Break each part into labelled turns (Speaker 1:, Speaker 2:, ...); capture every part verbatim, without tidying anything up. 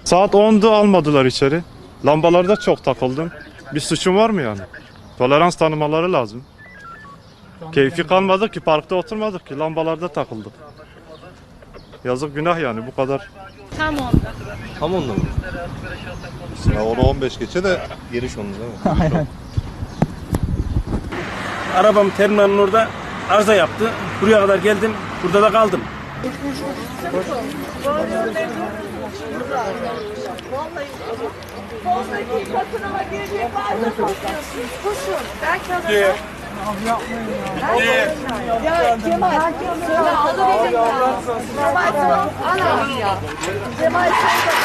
Speaker 1: Saat ondu almadılar içeri. Lambalarda çok takıldım. Bir suçum var mı yani? Tolerans tanımaları lazım. Keyfi kalmadık ki, parkta oturmadık ki, lambalarda takıldık. Yazık, günah yani, bu kadar.
Speaker 2: Tam onda.
Speaker 3: Tam onda mı? Ya onu on beş geçe de giriş onu değil mi?
Speaker 4: Aynen.
Speaker 5: Arabam terminalin orada arıza yaptı. Buraya kadar geldim. Burada da kaldım.
Speaker 6: Soldaki katına girecek varsa koşuyorsunuz. Koşun. Belki alacak. Ya Cemal. Ya alabilecek ya. Cemal tamam. Al abi ya. Cemal sen de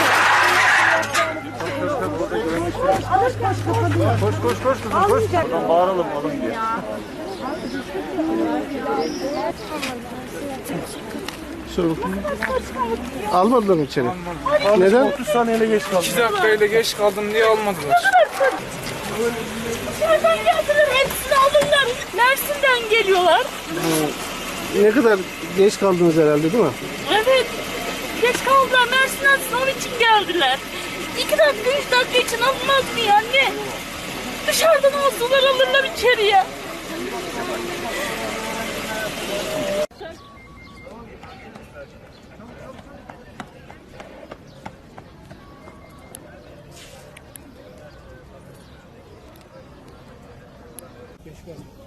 Speaker 6: koş. Alır koş kapatıyor. Koş koş koş kızım koş. Almayacak.
Speaker 3: Bağıralım alın diye.
Speaker 4: Almadılar mı içeri? Neden?
Speaker 5: otuz saniyeyle geç kaldım.
Speaker 7: iki dakikayla geç kaldım diye almadılar.
Speaker 2: Nereden geldiler? Hepsini alırlar. Mersin'den geliyorlar.
Speaker 4: Ne kadar geç kaldınız herhalde değil mi?
Speaker 2: Evet. Geç kaldılar. Mersin'den sınav için geldiler. İki dakika, üç dakika için alınmaz mı ya anne? Dışarıdan alsalar alırlar içeriye.
Speaker 7: Geç kaldım.